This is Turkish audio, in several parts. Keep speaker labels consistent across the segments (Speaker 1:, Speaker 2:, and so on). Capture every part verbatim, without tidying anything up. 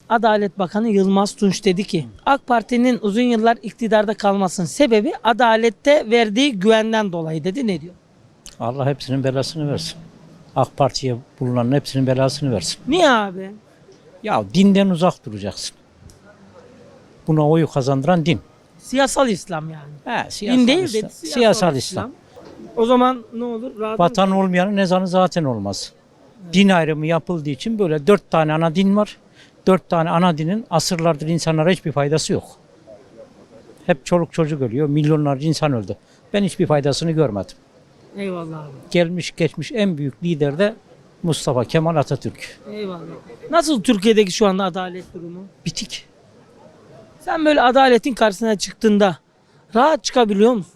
Speaker 1: Adalet Bakanı Yılmaz Tunç dedi ki AK Parti'nin uzun yıllar iktidarda kalmasının sebebi adalette verdiği güvenden dolayı dedi. Ne diyor?
Speaker 2: Allah hepsinin belasını versin. AK Parti'ye bulunan hepsinin belasını versin.
Speaker 1: Niye abi?
Speaker 2: Ya dinden uzak duracaksın. Buna oyu kazandıran din.
Speaker 1: Siyasal İslam yani.
Speaker 2: He, siyasal
Speaker 1: Din değil
Speaker 2: İslam.
Speaker 1: dedi. Siyasal,
Speaker 2: Siyasal
Speaker 1: İslam. O zaman ne olur? Rahat
Speaker 2: Vatan olmayanın ezanı zaten olmaz. Din ayrımı yapıldığı için böyle dört tane ana din var. Dört tane ana dinin asırlardır insanlara hiçbir faydası yok. Hep çoluk çocuk ölüyor. Milyonlarca insan öldü. Ben hiçbir faydasını görmedim.
Speaker 1: Eyvallah abi.
Speaker 2: Gelmiş geçmiş en büyük lider de Mustafa Kemal Atatürk.
Speaker 1: Eyvallah. Nasıl Türkiye'deki şu anda adalet durumu?
Speaker 2: Bitik.
Speaker 1: Sen böyle adaletin karşısına çıktığında rahat çıkabiliyor musun?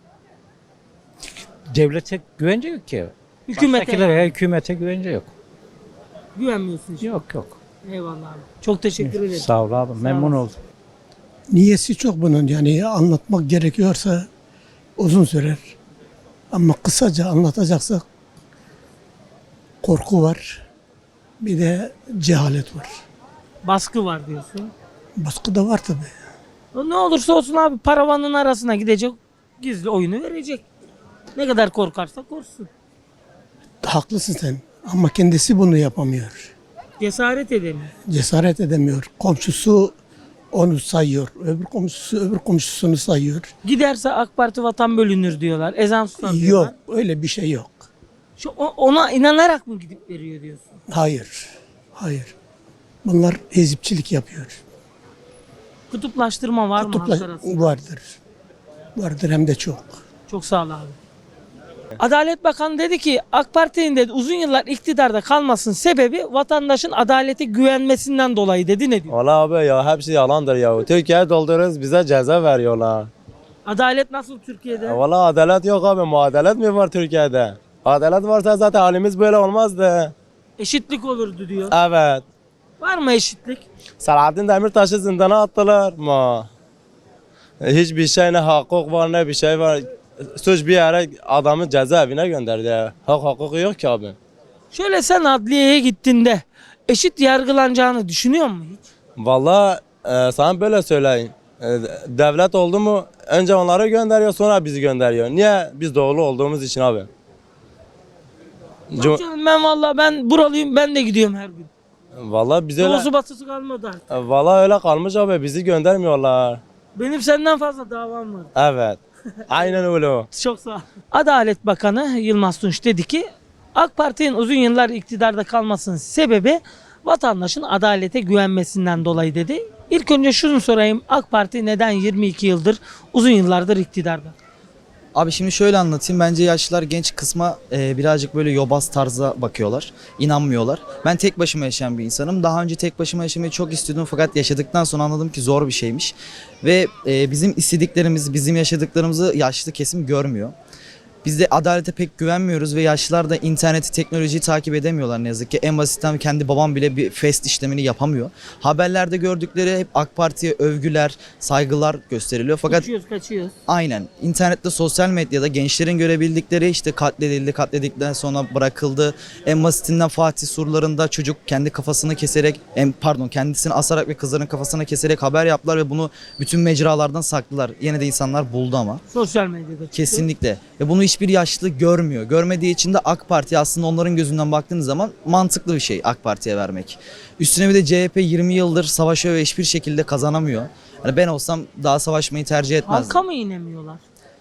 Speaker 2: Devlete güvence yok ki.
Speaker 1: Hükümete
Speaker 2: Baştakilere,
Speaker 1: yani.
Speaker 2: hükümete güvence yok.
Speaker 1: Güvenmiyorsun işte.
Speaker 2: Yok yok.
Speaker 1: Eyvallah abi. Çok teşekkür ederim.
Speaker 2: Sağ ol abi. Memnun
Speaker 1: ol.
Speaker 2: oldum.
Speaker 3: Niyesi çok bunun, yani anlatmak gerekiyorsa uzun sürer. Ama kısaca anlatacaksak korku var, bir de cehalet var.
Speaker 1: Baskı var diyorsun.
Speaker 3: Baskı da var tabii.
Speaker 1: O ne olursa olsun abi paravanın arasına gidecek, gizli oyunu verecek. Ne kadar korkarsa korksun.
Speaker 3: Haklısın sen ama kendisi bunu yapamıyor.
Speaker 1: Cesaret edemiyor.
Speaker 3: Cesaret edemiyor. Komşusu onu sayıyor, öbür komşusu öbür komşusunu sayıyor.
Speaker 1: Giderse AK Parti vatan bölünür diyorlar. Ezan susan diyorlar.
Speaker 3: Yok, öyle bir şey yok.
Speaker 1: Şu, o- ona inanarak mı gidip veriyor diyorsun?
Speaker 3: Hayır, hayır. Bunlar ezipçilik yapıyor.
Speaker 1: Kutuplaştırma var mı
Speaker 3: Kutupla-
Speaker 1: halk arasında?
Speaker 3: vardır. Vardır hem de çok.
Speaker 1: Çok sağ ol abi. Adalet Bakanı dedi ki AK Parti'nin dedi uzun yıllar iktidarda kalmasının sebebi vatandaşın adalete güvenmesinden dolayı dedi. Ne diyor?
Speaker 4: Valla abi ya hepsi yalandır ya. Türkiye'ye dolduruyoruz bize ceza veriyorlar.
Speaker 1: Adalet nasıl Türkiye'de?
Speaker 4: Ya Valla adalet yok abi. Muadalet mi var Türkiye'de? Adalet varsa zaten halimiz böyle olmazdı.
Speaker 1: Eşitlik olurdu diyor.
Speaker 4: Evet.
Speaker 1: Var mı eşitlik?
Speaker 4: Selahattin Demirtaş'ı zindana attılar mı? Hiçbir şey ne hukuk var ne bir şey var. Suç bir yere adamı cezaevine gönderdi. Hak hukuku yok ki abi.
Speaker 1: Şöyle sen adliyeye gittiğinde eşit yargılanacağını düşünüyor musun hiç?
Speaker 4: Valla e, sana böyle söyleyeyim. E, devlet oldu mu önce onları gönderiyor sonra bizi gönderiyor. Niye? Biz doğulu olduğumuz için abi. Cum-
Speaker 1: Bak canım ben vallahi ben buralıyım ben de gidiyorum her gün.
Speaker 4: Valla biz öyle,
Speaker 1: Doğusu batısı kalmadı artık.
Speaker 4: valla öyle kalmış abi bizi göndermiyorlar.
Speaker 1: Benim senden fazla davam var.
Speaker 4: Evet. Aynen öyle o.
Speaker 1: Çok sağ ol. Adalet Bakanı Yılmaz Tunç dedi ki AK Parti'nin uzun yıllar iktidarda kalmasının sebebi vatandaşın adalete güvenmesinden dolayı dedi. İlk önce şunu sorayım. AK Parti neden yirmi iki yıldır uzun yıllardır iktidarda?
Speaker 5: Abi şimdi şöyle anlatayım. Bence yaşlılar genç kısma e, birazcık böyle yobaz tarza bakıyorlar. İnanmıyorlar. Ben tek başıma yaşayan bir insanım. Daha önce tek başıma yaşamayı çok istiyordum fakat yaşadıktan sonra anladım ki zor bir şeymiş. Ve e, bizim istediklerimizi, bizim yaşadıklarımızı yaşlı kesim görmüyor. Biz de adalete pek güvenmiyoruz ve yaşlılar da interneti, teknolojiyi takip edemiyorlar ne yazık ki. En basitten kendi babam bile bir fest işlemini yapamıyor. Haberlerde gördükleri hep AK Parti'ye övgüler, saygılar gösteriliyor. Fakat
Speaker 1: Kaçıyoruz kaçıyoruz.
Speaker 5: aynen internette, sosyal medyada gençlerin görebildikleri işte katledildi, katledildikten sonra bırakıldı. En basitinden Fatih surlarında çocuk kendi kafasını keserek, en, pardon kendisini asarak ve kızların kafasını keserek haber yaptılar ve bunu bütün mecralardan saklılar. Yine de insanlar buldu ama.
Speaker 1: Sosyal medyada çıktı.
Speaker 5: Kesinlikle. Ve bunu hiçbir yaşlı görmüyor. Görmediği için de AK Parti aslında onların gözünden baktığınız zaman mantıklı bir şey AK Parti'ye vermek. Üstüne bir de C H P yirmi yıldır savaşıyor ve hiçbir şekilde kazanamıyor. Yani ben olsam daha savaşmayı tercih etmezdim.
Speaker 1: Halka mı inemiyorlar?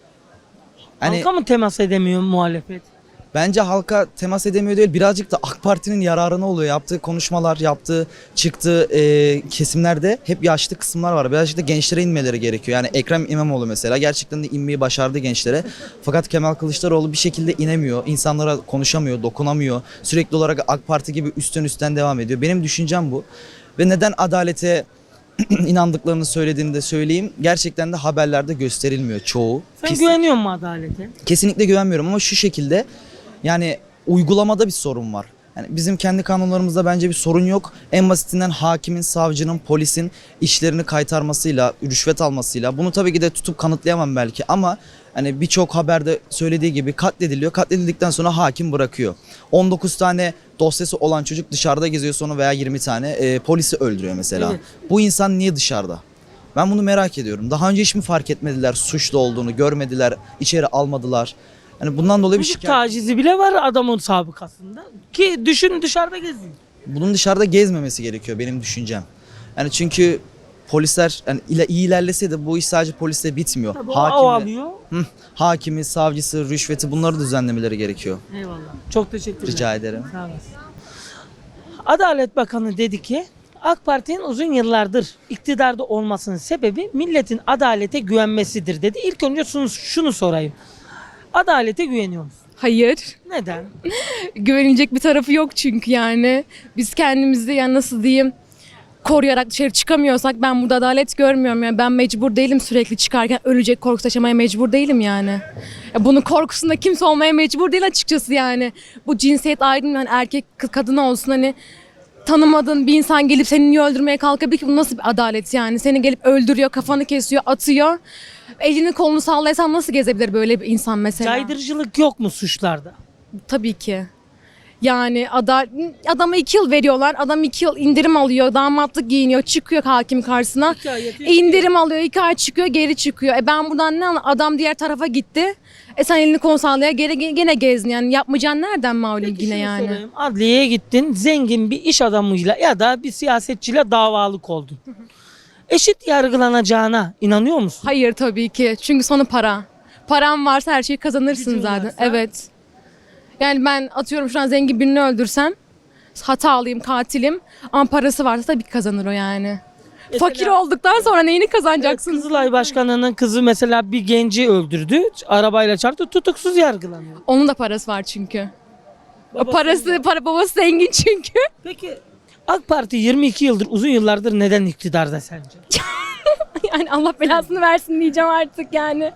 Speaker 5: Hani
Speaker 1: Halka mı temas edemiyor muhalefet?
Speaker 5: bence halka temas edemiyor değil, birazcık da AK Parti'nin yararına oluyor. Yaptığı konuşmalar, yaptığı, çıktığı e, kesimlerde hep yaşlı kısımlar var. Birazcık da gençlere inmeleri gerekiyor. Yani Ekrem İmamoğlu mesela gerçekten de inmeyi başardı gençlere. Fakat Kemal Kılıçdaroğlu bir şekilde inemiyor. İnsanlara konuşamıyor, dokunamıyor. Sürekli olarak AK Parti gibi üstten üstten devam ediyor. Benim düşüncem bu. Ve neden adalete inandıklarını söylediğini de söyleyeyim. Gerçekten de haberlerde gösterilmiyor çoğu.
Speaker 1: Sen
Speaker 5: Pis-
Speaker 1: güveniyor musun adalete?
Speaker 5: Kesinlikle güvenmiyorum ama şu şekilde, yani uygulamada bir sorun var. Yani bizim kendi kanunlarımızda bence bir sorun yok. En basitinden hakimin, savcının, polisin işlerini kaytarmasıyla, rüşvet almasıyla bunu tabii ki de tutup kanıtlayamam belki ama hani birçok haberde söylediği gibi katlediliyor. Katledildikten sonra hakim bırakıyor. on dokuz tane dosyası olan çocuk dışarıda geziyor sonra veya yirmi tane e, polisi öldürüyor mesela.
Speaker 1: Evet.
Speaker 5: Bu insan niye dışarıda? Ben bunu merak ediyorum. Daha önce hiç mi fark etmediler suçlu olduğunu, görmediler, içeri almadılar? Yani bundan dolayı bir
Speaker 1: Çocuk
Speaker 5: şikayet.
Speaker 1: tacizi bile var adamın sabıkasında. Ki düşün dışarıda geziyor.
Speaker 5: Bunun dışarıda gezmemesi gerekiyor benim düşüncem. Yani çünkü polisler yani ile iyi ilerleseydi bu iş sadece polisle bitmiyor.
Speaker 1: Tabii o
Speaker 5: Hakimi,
Speaker 1: av alıyor.
Speaker 5: hı, hakimi, savcısı, rüşveti bunları düzenlemeleri gerekiyor.
Speaker 1: Eyvallah. Çok teşekkür ederim.
Speaker 5: Rica ederim.
Speaker 1: Sağ olasın. Adalet Bakanı dedi ki AK Parti'nin uzun yıllardır iktidarda olmasının sebebi milletin adalete güvenmesidir dedi. İlk önce şunu, şunu sorayım. Adalete güveniyor musun?
Speaker 6: Hayır.
Speaker 1: Neden?
Speaker 6: Güvenilecek bir tarafı yok çünkü yani. Biz kendimizi yani nasıl diyeyim koruyarak dışarı çıkamıyorsak ben burada adalet görmüyorum. Yani ben mecbur değilim sürekli çıkarken ölecek korkusu yaşamaya mecbur değilim yani. Ya bunun korkusunda kimse olmaya mecbur değil açıkçası yani. Bu cinsiyet ayrımı hani erkek kız kadın olsun hani tanımadığın bir insan gelip seni niye öldürmeye kalkabilir ki bu nasıl bir adalet yani? Seni gelip öldürüyor, kafanı kesiyor, atıyor. Elini kolunu sallayasan nasıl gezebilir böyle bir insan mesela?
Speaker 1: Caydırıcılık yok mu suçlarda?
Speaker 6: Tabii ki. Yani ada, adama iki yıl veriyorlar. Adam iki yıl indirim alıyor. Damatlık giyiniyor. Çıkıyor hakim karşısına.
Speaker 1: İki ay yatıyor,
Speaker 6: İndirim alıyor. iki ay çıkıyor. Geri çıkıyor. E ben buradan ne anla- Adam diğer tarafa gitti. E sen elini kol sallaya gene, gene gezdin. Yani yapmayacağın nereden malum
Speaker 1: Peki
Speaker 6: yine
Speaker 1: şunu
Speaker 6: yani.
Speaker 1: sorayım. Adliyeye gittin, zengin bir iş adamıyla ya da bir siyasetçiyle davalık oldun. Eşit yargılanacağına inanıyor musun?
Speaker 6: Hayır tabii ki. Çünkü sonu para. Param varsa her şeyi kazanırsın
Speaker 1: Gücün
Speaker 6: zaten.
Speaker 1: varsa.
Speaker 6: Evet. Yani ben atıyorum şu an zengin birini öldürsem hatalıyım, katilim ama parası varsa tabii ki kazanır o yani.
Speaker 1: Mesela-
Speaker 6: Fakir olduktan sonra neyini kazanacaksın?
Speaker 1: Kızılay Başkanı'nın kızı mesela bir genci öldürdü. Arabayla çarptı, tutuksuz yargılanıyor.
Speaker 6: Onun da parası var çünkü.
Speaker 1: Babası
Speaker 6: Parası,
Speaker 1: var.
Speaker 6: para babası zengin çünkü.
Speaker 1: Peki AK Parti yirmi iki yıldır, uzun yıllardır neden iktidarda sence?
Speaker 6: Yani Allah belasını versin diyeceğim artık yani.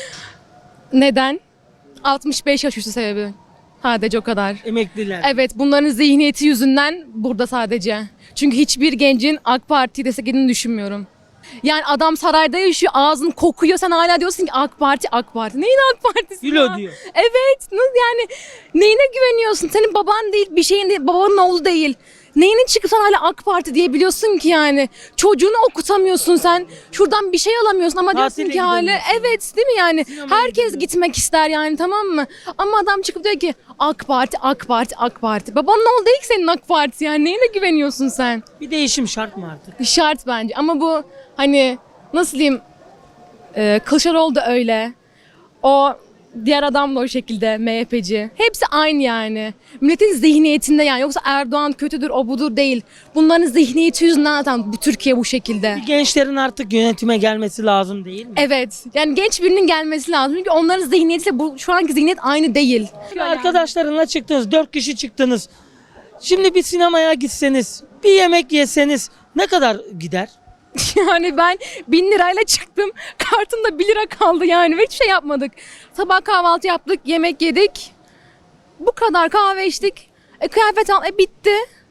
Speaker 6: Neden? altmış beş yaş üstü sebebi. Sadece o kadar.
Speaker 1: Emekliler.
Speaker 6: Evet bunların zihniyeti yüzünden burada sadece. Çünkü hiçbir gencin AK Parti'yi desteklediğini düşünmüyorum. Yani adam sarayda yaşıyor, ağzın kokuyor. Sen hala diyorsun ki AK Parti, AK Parti. Neyin AK Partisi
Speaker 1: Gül
Speaker 6: ya?
Speaker 1: ödüyor.
Speaker 6: Evet. nasıl Yani neyine güveniyorsun? Senin baban değil, bir şeyin değil, babanın oğlu değil. Neyine çıkıp sen hala AK Parti diyebiliyorsun ki yani? Çocuğunu okutamıyorsun sen. Şuradan bir şey alamıyorsun ama diyorsun
Speaker 1: Tatile
Speaker 6: ki hala
Speaker 1: gidemiyorsun.
Speaker 6: evet değil mi yani?
Speaker 1: Sinemaya
Speaker 6: Herkes
Speaker 1: gidemiyorsun.
Speaker 6: gitmek ister yani tamam mı? Ama adam çıkıp diyor ki AK Parti, AK Parti, AK Parti. Babanın oğlu değil ki senin AK Parti yani. Neyine güveniyorsun sen?
Speaker 1: Bir değişim şart mı artık?
Speaker 6: Şart bence ama bu hani nasıl diyeyim e, Kılıçdaroğlu da öyle. O diğer adam da o şekilde M H P'ci. Hepsi aynı yani. Milletin zihniyetinde yani. Yoksa Erdoğan kötüdür o budur değil. Bunların zihniyeti yüzünden zaten bu Türkiye bu şekilde.
Speaker 1: Gençlerin artık yönetime gelmesi lazım değil mi?
Speaker 6: Evet. Yani genç birinin gelmesi lazım. Çünkü onların zihniyetiyle bu şu anki zihniyet aynı değil.
Speaker 1: Arkadaşlarınla çıktınız, dört kişi çıktınız. Şimdi bir sinemaya gitseniz, bir yemek yeseniz ne kadar gider?
Speaker 6: Yani ben bin lirayla çıktım. Kartımda bir lira kaldı yani. Ve hiçbir şey yapmadık. Sabah kahvaltı yaptık, yemek yedik. Bu kadar kahve içtik. E, kıyafet al, e, bitti.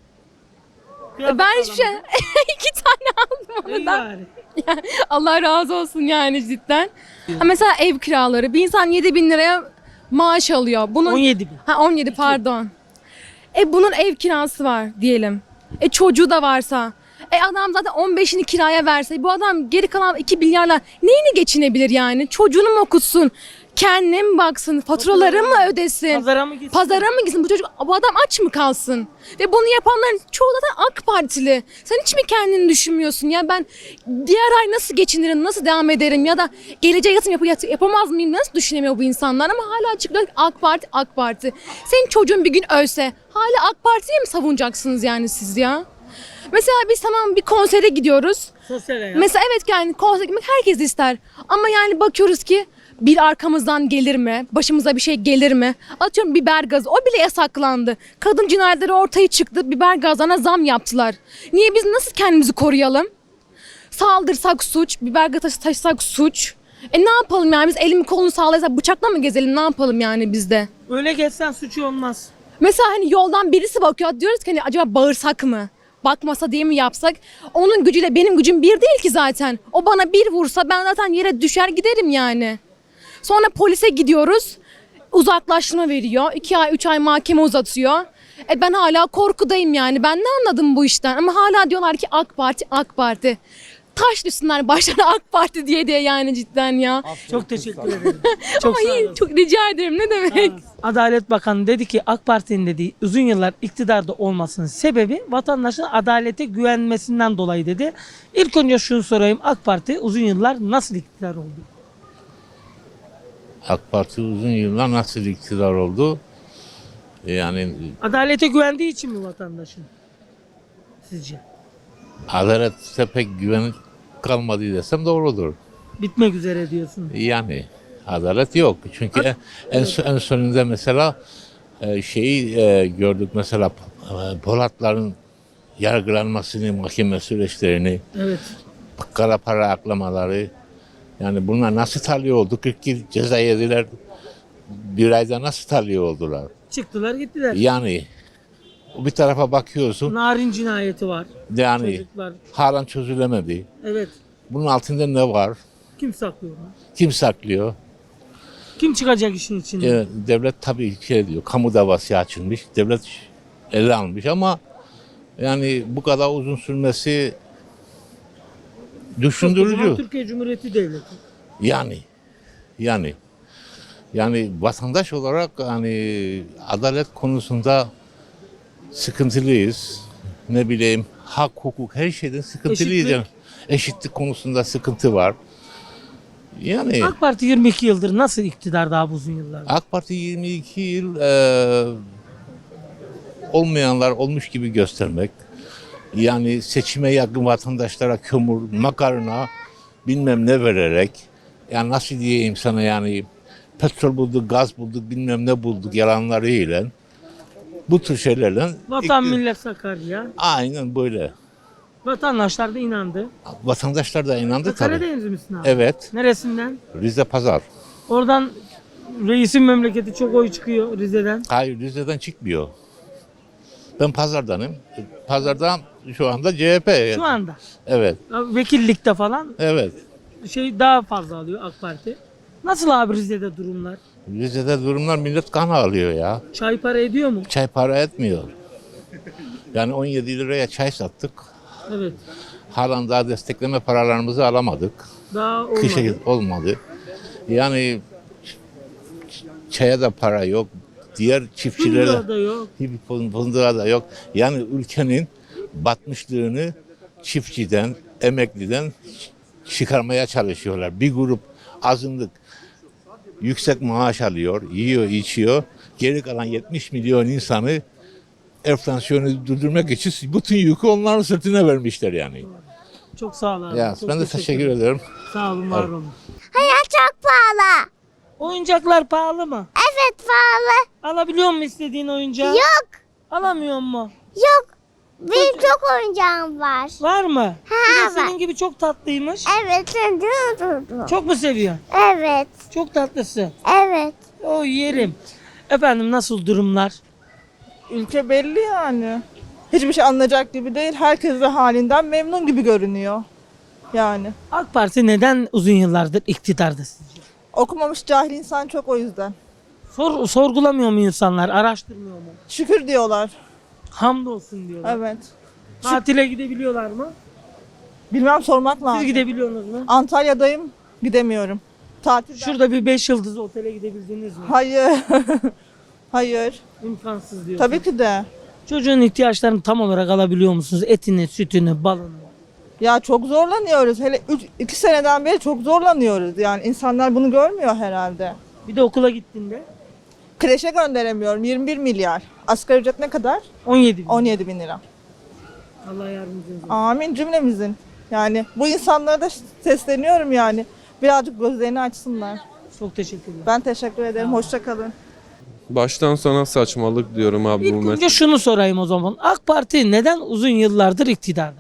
Speaker 6: E, ben hiçbir şey... iki tane aldım onu da.
Speaker 1: Yani.
Speaker 6: Yani Allah razı olsun yani cidden. Ha, mesela ev kiraları. Bir insan yedi bin liraya maaş alıyor. Bunun...
Speaker 1: on yedi bin.
Speaker 6: Ha on yedi pardon. E bunun ev kirası var diyelim. E çocuğu da varsa. E adam zaten on beşini kiraya verse bu adam geri kalan iki milyarla neyini geçinebilir yani? Çocuğunu mu okutsun? Kendine mi baksın? Faturaları mı ödesin?
Speaker 1: Pazara mı gitsin?
Speaker 6: Pazara mı gitsin? Bu çocuk, bu adam aç mı kalsın? Ve bunu yapanların çoğu zaten AK Partili. Sen hiç mi kendini düşünmüyorsun? Ya ben diğer ay nasıl geçinirim, nasıl devam ederim? Ya da geleceğe yatırım yap yap- yapamaz mıyım? Nasıl düşünemiyor bu insanlar? Ama hala çıkıyor ki AK Parti, AK Parti. Senin çocuğun bir gün ölse hala AK Parti'ye mi savunacaksınız yani siz ya? Mesela biz tamam bir konsere gidiyoruz.
Speaker 1: Sosyal hayat.
Speaker 6: Mesela evet yani konsere gitmek herkes ister. Ama yani bakıyoruz ki bir arkamızdan gelir mi? Başımıza bir şey gelir mi? Atıyorum biber gazı. O bile yasaklandı. Kadın cinayetleri ortaya çıktı. Biber gazlarına zam yaptılar. Niye biz nasıl kendimizi koruyalım? Saldırsak suç, biber gazı taşısak suç. E ne yapalım yani biz elimi kolunu sağlaysak bıçakla mı gezelim ne yapalım yani biz de?
Speaker 1: Öyle geçsen suçu olmaz.
Speaker 6: Mesela hani yoldan birisi bakıyor, diyoruz ki hani acaba bağırsak mı? Bakmasa diye mi yapsak? Onun gücüyle benim gücüm bir değil ki zaten. O bana bir vursa ben zaten yere düşer giderim yani. Sonra polise gidiyoruz. Uzaklaştırma veriyor. iki ay, üç ay mahkeme uzatıyor. E ben hala korkudayım yani. Ben ne anladım bu işten? Ama hala diyorlar ki AK Parti, AK Parti. Taş düşsünler başlarına AK Parti diye diye yani cidden ya.
Speaker 1: Çok teşekkür ederim. Çok
Speaker 6: Ama
Speaker 1: sağ
Speaker 6: iyi,
Speaker 1: olun.
Speaker 6: çok rica ederim ne demek.
Speaker 1: Adalet Bakanı dedi ki AK Parti'nin dediği uzun yıllar iktidarda olmasının sebebi vatandaşın adalete güvenmesinden dolayı dedi. İlk önce şunu sorayım, AK Parti uzun yıllar nasıl iktidar oldu?
Speaker 7: AK Parti uzun yıllar nasıl iktidar oldu? Yani
Speaker 1: Adalete güvendiği için mi vatandaşın? Sizce?
Speaker 7: adalete pek güven kalmadı desem doğrudur.
Speaker 1: Bitmek üzere diyorsun.
Speaker 7: Yani adalet yok. Çünkü en, en, son- en sonunda mesela e, şeyi e, gördük mesela e, Polatların yargılanmasını, mahkeme süreçlerini,
Speaker 1: Evet.
Speaker 7: kara para aklamaları. Yani bunlar nasıl tahliye oldu? kırk yıl ceza yediler. Bir ayda nasıl tahliye oldular?
Speaker 1: Çıktılar gittiler.
Speaker 7: Yani bir tarafa bakıyorsun.
Speaker 1: Narin cinayeti var.
Speaker 7: Yani
Speaker 1: Çocuklar.
Speaker 7: halen çözülemedi.
Speaker 1: Evet.
Speaker 7: Bunun altında ne var?
Speaker 1: Kim saklıyor bunu?
Speaker 7: Kim saklıyor?
Speaker 1: Kim çıkacak işin içinde?
Speaker 7: Ee, devlet tabii şey diyor, kamu davası açılmış. Devlet ele almış ama yani bu kadar uzun sürmesi
Speaker 1: Kocaman
Speaker 7: düşündürücü.
Speaker 1: Türkiye Cumhuriyeti Devleti.
Speaker 7: Yani yani yani vatandaş olarak hani adalet konusunda sıkıntılıyız. Ne bileyim hak, hukuk her şeyden sıkıntılıyız.
Speaker 1: Eşitlik.
Speaker 7: Yani. Eşitlik konusunda sıkıntı var. Yani
Speaker 1: AK Parti yirmi iki yıldır nasıl iktidar daha uzun yıllar?
Speaker 7: AK Parti yirmi iki yıl e, olmayanlar olmuş gibi göstermek. Yani seçime yakın vatandaşlara kömür, makarna bilmem ne vererek. Yani nasıl diyeyim sana yani petrol bulduk, gaz bulduk, bilmem ne bulduk yalanlarıyla. Bu tür şeylerle.
Speaker 1: Vatan
Speaker 7: ikti-
Speaker 1: millet Sakarya.
Speaker 7: Aynen böyle.
Speaker 1: Vatandaşlar da inandı.
Speaker 7: Vatandaşlar da inandı tabii.
Speaker 1: Karadeniz misin abi?
Speaker 7: Evet.
Speaker 1: Neresinden?
Speaker 7: Rize Pazar.
Speaker 1: Oradan reisin memleketi çok oy çıkıyor Rize'den.
Speaker 7: Hayır Rize'den çıkmıyor. Ben Pazar'danım. Pazar'dan şu anda C H P.
Speaker 1: Şu anda.
Speaker 7: Evet.
Speaker 1: Vekillikte falan
Speaker 7: Evet.
Speaker 1: şey daha fazla alıyor AK Parti. Nasıl abi Rize'de durumlar?
Speaker 7: Rize'de durumlar millet kan ağlıyor ya.
Speaker 1: Çay para ediyor mu?
Speaker 7: Çay para etmiyor. Yani on yedi liraya çay sattık.
Speaker 1: Evet.
Speaker 7: Halen daha destekleme paralarımızı alamadık.
Speaker 1: Daha olmadı.
Speaker 7: Kışa olmadı. Yani çaya da para yok. Diğer çiftçilere
Speaker 1: Fındığa da yok.
Speaker 7: fındığa da yok. Yani ülkenin batmışlığını çiftçiden, emekliden çıkarmaya çalışıyorlar. Bir grup azınlık yüksek maaş alıyor, yiyor, içiyor. Geri kalan yetmiş milyon insanı enflasyonu durdurmak için bütün yükü onların sırtına vermişler yani.
Speaker 1: Çok sağ ol abi.
Speaker 7: Ya
Speaker 1: Çok
Speaker 7: ben de teşekkür ederim.
Speaker 1: Sağ olun, var olun.
Speaker 8: Hayat çok pahalı.
Speaker 1: Oyuncaklar pahalı mı?
Speaker 8: Evet pahalı.
Speaker 1: Alabiliyor musun istediğin oyuncağı?
Speaker 8: Yok.
Speaker 1: Alamıyor mu?
Speaker 8: Yok. Benim çok oyuncağım var.
Speaker 1: Var mı?
Speaker 8: Ha,
Speaker 1: Bir de senin
Speaker 8: var.
Speaker 1: gibi çok tatlıymış.
Speaker 8: Evet.
Speaker 1: Çok mu seviyorsun?
Speaker 8: Evet.
Speaker 1: Çok tatlısı.
Speaker 8: Evet.
Speaker 1: O yerim. Efendim nasıl durumlar?
Speaker 9: Ülke belli yani. Hiçbir şey anlayacak gibi değil. Herkes de halinden memnun gibi görünüyor. Yani.
Speaker 1: AK Parti neden uzun yıllardır iktidarda sizce?
Speaker 9: Okumamış cahil insan çok o yüzden.
Speaker 1: Sor, sorgulamıyor mu insanlar? Araştırmıyor mu?
Speaker 9: Şükür diyorlar.
Speaker 1: Hamdolsun diyorlar.
Speaker 9: Evet.
Speaker 1: Tatile gidebiliyorlar mı?
Speaker 9: Bilmem sormak
Speaker 1: Siz
Speaker 9: lazım.
Speaker 1: gidebiliyorsunuz mu?
Speaker 9: Antalya'dayım. Gidemiyorum. Tatil.
Speaker 1: Şurada bir beş yıldız otele gidebildiniz mi?
Speaker 9: Hayır. Hayır.
Speaker 1: İmkansız diyorsun.
Speaker 9: Tabii ki de.
Speaker 1: Çocuğun ihtiyaçlarını tam olarak alabiliyor musunuz? Etini, sütünü, balını.
Speaker 9: Ya çok zorlanıyoruz. Hele üç, iki seneden beri çok zorlanıyoruz. Yani insanlar bunu görmüyor herhalde.
Speaker 1: Bir de okula gittiğinde
Speaker 9: Kreşe gönderemiyorum. yirmi bir milyar. Asgari ücret ne kadar?
Speaker 1: on yedi bin.
Speaker 9: on yedi bin lira.
Speaker 1: Allah yardımcınız olsun.
Speaker 9: Amin cümlemizin. Yani bu insanlara da sesleniyorum yani. Birazcık gözlerini açsınlar.
Speaker 1: Çok teşekkür ederim.
Speaker 9: Ben teşekkür ederim. Hoşça kalın.
Speaker 10: Baştan sona saçmalık diyorum abi
Speaker 1: İlk
Speaker 10: bu
Speaker 1: önce
Speaker 10: mesele.
Speaker 1: şunu sorayım o zaman. AK Parti neden uzun yıllardır iktidarda?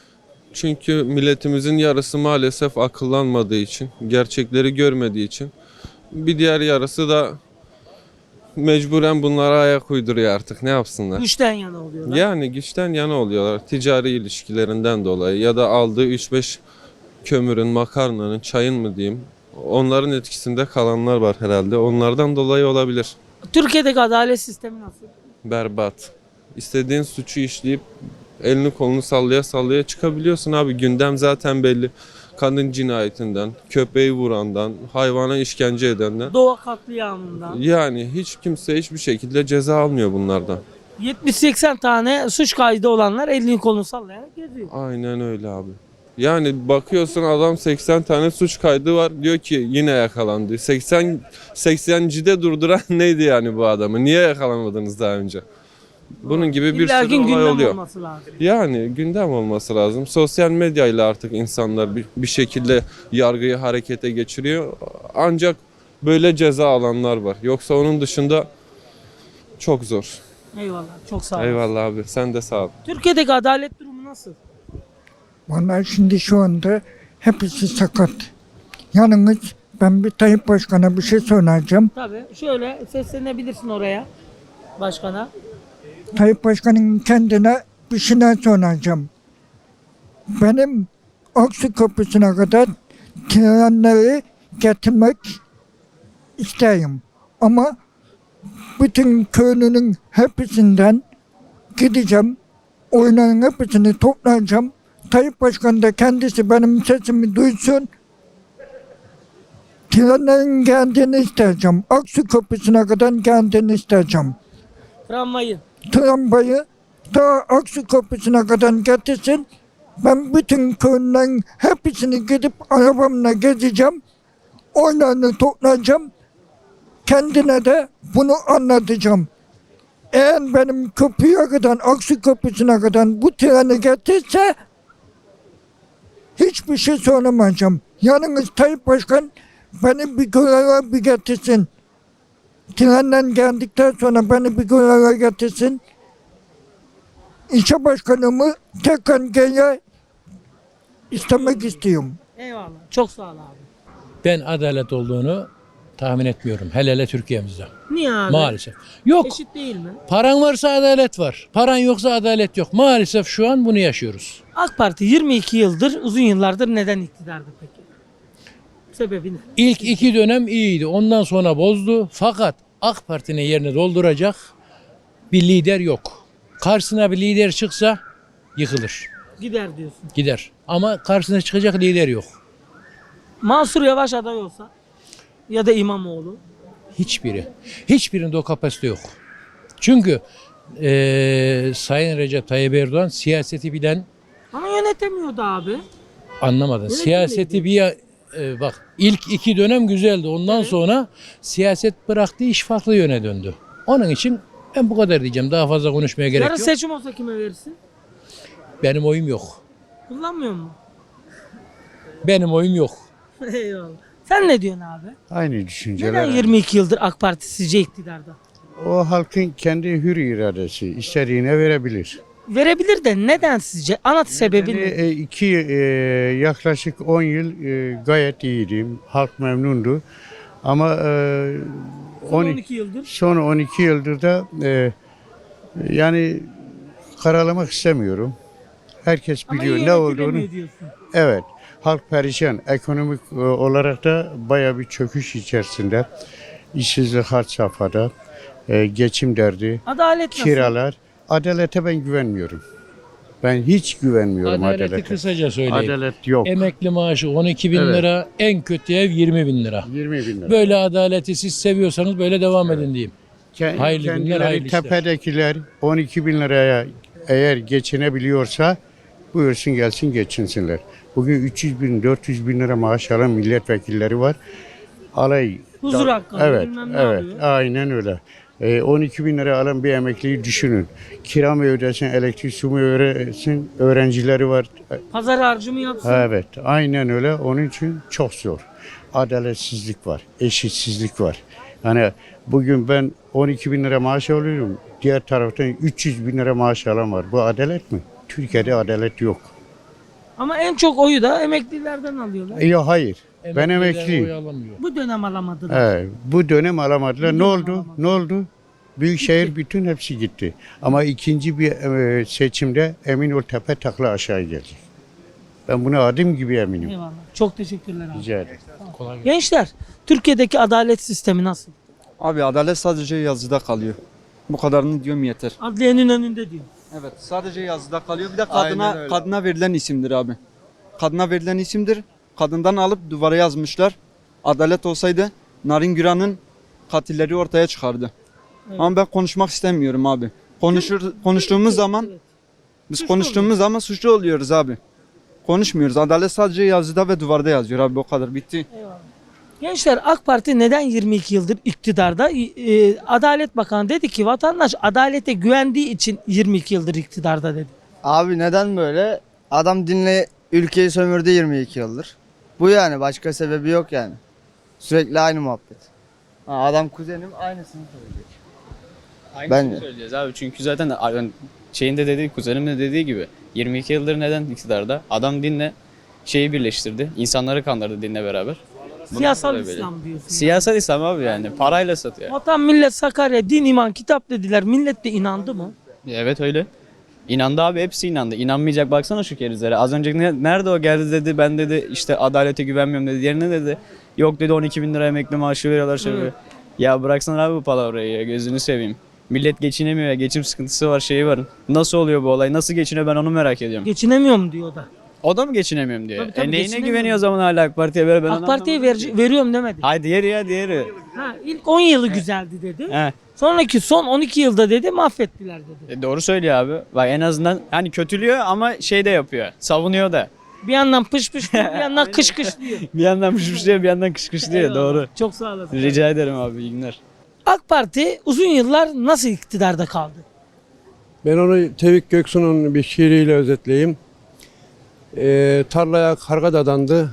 Speaker 10: Çünkü milletimizin yarısı maalesef akıllanmadığı için, gerçekleri görmediği için. Bir diğer yarısı da mecburen bunlara ayak uyduruyor artık. Ne yapsınlar?
Speaker 1: Güçten yana oluyorlar.
Speaker 10: Yani güçten yana oluyorlar. Ticari ilişkilerinden dolayı ya da aldığı üç beş kömürün, makarnanın, çayın mı diyeyim. Onların etkisinde kalanlar var herhalde. Onlardan dolayı olabilir.
Speaker 1: Türkiye'deki adalet sistemi nasıl?
Speaker 10: Berbat. İstediğin suçu işleyip elini kolunu sallaya sallaya çıkabiliyorsun abi. Gündem zaten belli. Kadın cinayetinden, köpeği vurandan, hayvana işkence edenden.
Speaker 1: Doğa katliamından.
Speaker 10: Yani hiç kimse hiçbir şekilde ceza almıyor bunlardan.
Speaker 1: yetmiş seksen tane suç kaydı olanlar elini kolunu sallayarak geziyor.
Speaker 10: Aynen öyle abi. Yani bakıyorsun adam seksen tane suç kaydı var. Diyor ki yine yakalandı. seksen seksencide durduran neydi yani bu adamı? Niye yakalamadınız daha önce? Bunun gibi bir
Speaker 1: İlla
Speaker 10: sürü
Speaker 1: ki
Speaker 10: olay
Speaker 1: gündem
Speaker 10: oluyor.
Speaker 1: olması lazım.
Speaker 10: Yani gündem olması lazım. Sosyal medyayla artık insanlar bir, bir şekilde yargıyı harekete geçiriyor. Ancak böyle ceza alanlar var. Yoksa onun dışında çok zor.
Speaker 1: Eyvallah. Çok sağ olun.
Speaker 10: Eyvallah abi. Sen de sağ ol.
Speaker 1: Türkiye'deki adalet durumu nasıl?
Speaker 11: Vallahi şimdi şu anda hepsi sakat. Yalnız ben bir Tayyip Başkan'a bir şey soracağım.
Speaker 1: Tabii. Şöyle seslenebilirsin oraya. Başkana.
Speaker 11: Tayyip Başkan'ın kendine bir şey soracağım. Benim Aksu Köprüsü'ne kadar trenleri getirmek isteyim. Ama bütün köylünün hepsinden gideceğim. Oyların hepsini toplayacağım. Tayyip Başkan da kendisi benim sesimi duysun. Trenlerin geldiğini isteyeceğim. Aksu Köprüsü'ne kadar geldiğini isteyeceğim.
Speaker 1: Tramvayı.
Speaker 11: Tramvayı ta Aksu Köprüsü'ne kadar getirsin. Ben bütün köylülerin hepsini gidip arabamla gezeceğim. Oylarını toplayacağım. Kendine de bunu anlatacağım. Eğer benim köprüye kadar, Aksu Köprüsü'ne kadar bu treni getirse hiçbir şey söylemeyeceğim. Yalnız Tayyip Başkan beni bir göreve bir getirsin. Trenden geldikten sonra beni bir göreve getirsin. İlçe başkanımı tekrar geri istemek istiyorum.
Speaker 1: Eyvallah. Çok sağ ol abi.
Speaker 12: Ben adalet olduğunu tahmin etmiyorum. Hele hele Türkiye'mizde.
Speaker 1: Niye abi?
Speaker 12: Maalesef. Yok.
Speaker 1: Eşit değil mi?
Speaker 12: Paran varsa adalet var. Paran yoksa adalet yok. Maalesef şu an bunu yaşıyoruz.
Speaker 1: AK Parti yirmi iki yıldır, uzun yıllardır neden iktidarda peki? Sebebi ne?
Speaker 12: İlk iki dönem iyiydi. Ondan sonra bozdu. Fakat AK Parti'nin yerini dolduracak bir lider yok. Karşısına bir lider çıksa yıkılır.
Speaker 1: Gider diyorsun.
Speaker 12: Gider. Ama karşısına çıkacak lider yok.
Speaker 1: Mansur Yavaş aday olsa ya da İmamoğlu.
Speaker 12: Hiçbiri. Hiçbirinde o kapasite yok. Çünkü eee Sayın Recep Tayyip Erdoğan siyaseti bilen,
Speaker 1: Ama yönetemiyordu abi.
Speaker 12: anlamadın.
Speaker 1: Yönetim
Speaker 12: Siyaseti
Speaker 1: neydi?
Speaker 12: bir ya- e, bak ilk iki dönem güzeldi. Ondan
Speaker 1: Evet.
Speaker 12: sonra siyaset bıraktı, iş farklı yöne döndü. Onun için ben bu kadar diyeceğim. Daha fazla konuşmaya gerek
Speaker 1: Yarın
Speaker 12: yok.
Speaker 1: seçim olsa kime verirsin?
Speaker 12: Benim oyum yok.
Speaker 1: Kullanmıyor mu?
Speaker 12: Benim oyum yok.
Speaker 1: Eyvallah. Sen ne diyorsun abi?
Speaker 13: Aynı düşünceler.
Speaker 1: Neden yirmi iki yıldır AK Parti sizce iktidarda?
Speaker 13: O halkın kendi hür iradesi istediğine verebilir.
Speaker 1: Verebilir de neden sizce? Ana sebebi
Speaker 13: Yani,
Speaker 1: ne?
Speaker 13: e, iki e, yaklaşık on yıl e, gayet iyiydim. Halk memnundu. Ama e,
Speaker 1: Son
Speaker 13: on-
Speaker 1: on iki yıldır.
Speaker 13: son on iki yıldır da e, yani karalamak istemiyorum. Herkes
Speaker 1: Ama
Speaker 13: biliyor
Speaker 1: iyi
Speaker 13: ne olduğunu.
Speaker 1: yönetilemiyor diyorsun.
Speaker 13: Evet. Halk perişan. Ekonomik e, olarak da baya bir çöküş içerisinde. İşsizlik had safhada. E, geçim derdi.
Speaker 1: Adalet nasıl?
Speaker 13: Kiralar. Adalete ben güvenmiyorum. Ben hiç güvenmiyorum
Speaker 12: Adaleti
Speaker 13: adalete.
Speaker 12: kısaca söyleyeyim.
Speaker 13: Adalet yok.
Speaker 12: Emekli maaşı on iki bin
Speaker 13: Evet.
Speaker 12: lira, en kötü ev yirmi bin lira.
Speaker 13: yirmi bin lira.
Speaker 12: Böyle adaleti siz seviyorsanız böyle devam edin diyeyim.
Speaker 13: Ke-
Speaker 12: Hayırlı günler,
Speaker 13: kendileri
Speaker 12: hayırlı işler.
Speaker 13: tepedekiler on iki bin liraya eğer geçinebiliyorsa buyursun gelsin geçinsinler. Bugün üç yüz bin dört yüz bin lira maaş alan milletvekilleri var. Alay.
Speaker 1: Huzur
Speaker 13: da-
Speaker 1: hakkı,
Speaker 13: Evet,
Speaker 1: bilmem ne
Speaker 13: evet,
Speaker 1: alıyor.
Speaker 13: aynen öyle. Ee, on iki bin lira alan bir emekliyi düşünün. Kira mı ödesin, elektrik su mu ödesin, öğrencileri var.
Speaker 1: Pazar harcımı yapsın.
Speaker 13: Evet, aynen öyle. Onun için çok zor. Adaletsizlik var, eşitsizlik var. Yani bugün ben on iki bin lira maaş alıyorum. Diğer taraftan üç yüz bin lira maaş alan var. Bu adalet mi? Türkiye'de adalet yok.
Speaker 1: Ama en çok oyu da emeklilerden alıyorlar.
Speaker 13: Yok hayır. Ben
Speaker 12: Emekliler
Speaker 13: emekliyim.
Speaker 12: oy alamıyor.
Speaker 1: Bu dönem alamadılar.
Speaker 13: Evet, bu dönem alamadılar.
Speaker 1: Bu
Speaker 13: Ne
Speaker 1: dönem
Speaker 13: oldu?
Speaker 1: alamadılar.
Speaker 13: Ne oldu? Büyükşehir bütün hepsi gitti. Ama ikinci bir e, seçimde emin ol tepe takla aşağı gelecek. Ben buna adım gibi eminim.
Speaker 1: Eyvallah. Çok teşekkürler abi.
Speaker 13: Rica ederim.
Speaker 1: Gençler, Türkiye'deki adalet sistemi nasıl?
Speaker 14: Abi adalet sadece yazıda kalıyor. Bu kadarını diyorum yeter.
Speaker 1: Adliyenin önünde diyor.
Speaker 14: Evet sadece yazıda kalıyor. Bir de
Speaker 4: Aynen
Speaker 14: kadına
Speaker 4: öyle.
Speaker 14: kadına verilen isimdir abi. Kadına verilen isimdir. Kadından alıp duvara yazmışlar. Adalet olsaydı Narin Güran'ın katilleri ortaya çıkardı.
Speaker 1: Evet.
Speaker 14: Ama ben konuşmak istemiyorum abi. Konuşur konuştuğumuz zaman biz
Speaker 1: Suçlu
Speaker 14: konuştuğumuz zaman suçlu oluyoruz abi. Konuşmuyoruz. Adalet sadece yazıda ve duvarda yazıyor abi, o kadar bitti.
Speaker 1: Gençler, AK Parti neden yirmi iki yıldır iktidarda? Ee, Adalet Bakanı dedi ki vatandaş adalete güvendiği için yirmi iki yıldır iktidarda dedi.
Speaker 5: Abi neden böyle? Adam dinle ülkeyi sömürdü yirmi iki yıldır. Bu yani, başka sebebi yok yani. Sürekli aynı muhabbet. Ha, adam kuzenim aynısını söylüyor.
Speaker 15: Aynısını
Speaker 5: Ben-
Speaker 15: söyleyeceğiz abi çünkü zaten yani şeyin de dediği, kuzenimin de dediği gibi yirmi iki yıldır neden iktidarda? Adam dinle şeyi birleştirdi. İnsanları kandırdı dinle beraber. Bundan
Speaker 1: Siyasal
Speaker 15: dolayı böyle.
Speaker 1: İslam diyorsun.
Speaker 15: Siyasal İslam abi yani parayla satıyor.
Speaker 1: Vatan, millet, Sakarya, din, iman, kitap dediler. Millet de inandı mı?
Speaker 15: Evet öyle. İnandı abi, hepsi inandı. İnanmayacak baksana şu kerizlere. Az önce ne- nerede o geldi dedi, ben dedi işte adalete güvenmiyorum dedi. Yerine dedi yok dedi on iki bin lira emekli maaşı veriyorlar şöyle.
Speaker 1: Evet.
Speaker 15: Ya bıraksana abi bu palavrayı ya, gözünü seveyim. Millet geçinemiyor ya, geçim sıkıntısı var, şeyi var. Nasıl oluyor bu olay, nasıl geçiniyor ben onu merak ediyorum.
Speaker 1: Geçinemiyorum diyor da.
Speaker 15: O da mı geçinemiyorum diyor.
Speaker 1: Tabii, tabii,
Speaker 15: e neyine
Speaker 1: geçinemiyorum.
Speaker 15: güveniyor o zaman hala AK Parti'ye? Böyle ben
Speaker 1: AK
Speaker 15: onu
Speaker 1: Parti'ye
Speaker 15: anlamadım
Speaker 1: ver,
Speaker 15: ki.
Speaker 1: veriyorum demedi.
Speaker 15: Hayır diğeri ya diğeri.
Speaker 1: Ha, ilk on yılı güzeldi dedi.
Speaker 15: He.
Speaker 1: Sonraki son on iki yılda dedi mahvettiler dedi.
Speaker 15: E doğru söylüyor abi. Bak en azından hani kötülüyor ama şey de yapıyor. Savunuyor da.
Speaker 1: Bir yandan pış pış diyor, bir yandan kış kış diyor.
Speaker 15: Bir yandan pışmışlıyor bir yandan kış kış diyor.
Speaker 1: Eyvallah.
Speaker 15: Doğru.
Speaker 1: Çok sağ olasın.
Speaker 15: Rica ederim abi, iyi günler.
Speaker 1: AK Parti uzun yıllar nasıl iktidarda kaldı?
Speaker 16: Ben onu Tevfik Göksu'nun bir şiiriyle özetleyeyim. Ee, tarlaya karga dadandı,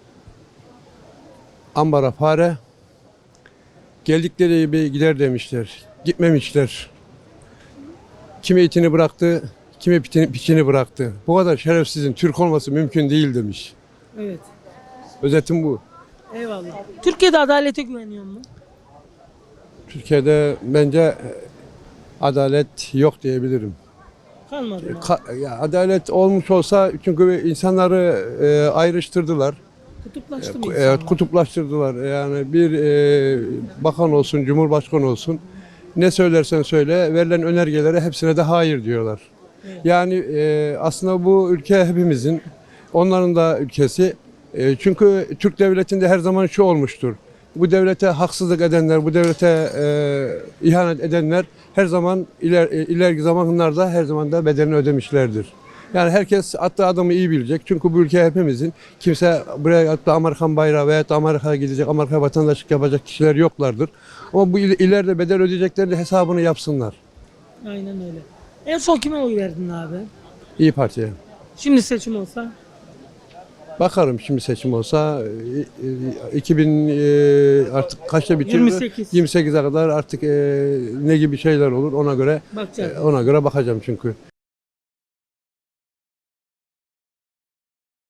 Speaker 16: ambara fare, geldikleri gibi gider demişler, gitmemişler. Kimi itini bıraktı, kimi pitini, piçini bıraktı. Bu kadar şerefsizin Türk olması mümkün değil demiş.
Speaker 1: Evet.
Speaker 16: Özetim bu.
Speaker 1: Eyvallah. Türkiye'de adalete güveniyor mu?
Speaker 16: Türkiye'de bence adalet yok diyebilirim.
Speaker 1: Kalmadı mı?
Speaker 16: Ka- ya adalet olmuş olsa çünkü insanları e, ayrıştırdılar.
Speaker 1: Kutuplaştı mı
Speaker 16: Evet,
Speaker 1: insanlar?
Speaker 16: kutuplaştırdılar. Yani bir e, bakan olsun, cumhurbaşkanı olsun ne söylersen söyle verilen önergelere hepsine de hayır diyorlar. Yani e, aslında bu ülke hepimizin, onların da ülkesi. E, çünkü Türk devletinde her zaman şu olmuştur. Bu devlete haksızlık edenler, bu devlete e, ihanet edenler her zaman iler, e, ileriki zamanlarda her zaman da bedelini ödemişlerdir. Yani herkes attığı adamı iyi bilecek. Çünkü bu ülke hepimizin. Kimse buraya attığı Amerikan bayrağı veya da Amerika'ya gidecek, Amerika vatandaşlık yapacak kişiler yoklardır. Ama bu il- ileride bedel ödeyecekleri hesabını yapsınlar.
Speaker 1: Aynen öyle. En son kime oy verdin abi?
Speaker 16: İyi Parti'ye.
Speaker 1: Şimdi seçim olsa?
Speaker 16: Bakarım şimdi seçim olsa e, e, iki bin e, artık kaçta bitiyor?
Speaker 1: yirmi sekiz.
Speaker 16: yirmi sekize kadar artık e, ne gibi şeyler olur ona göre
Speaker 1: Bakacağız.
Speaker 16: e, ona göre bakacağım çünkü.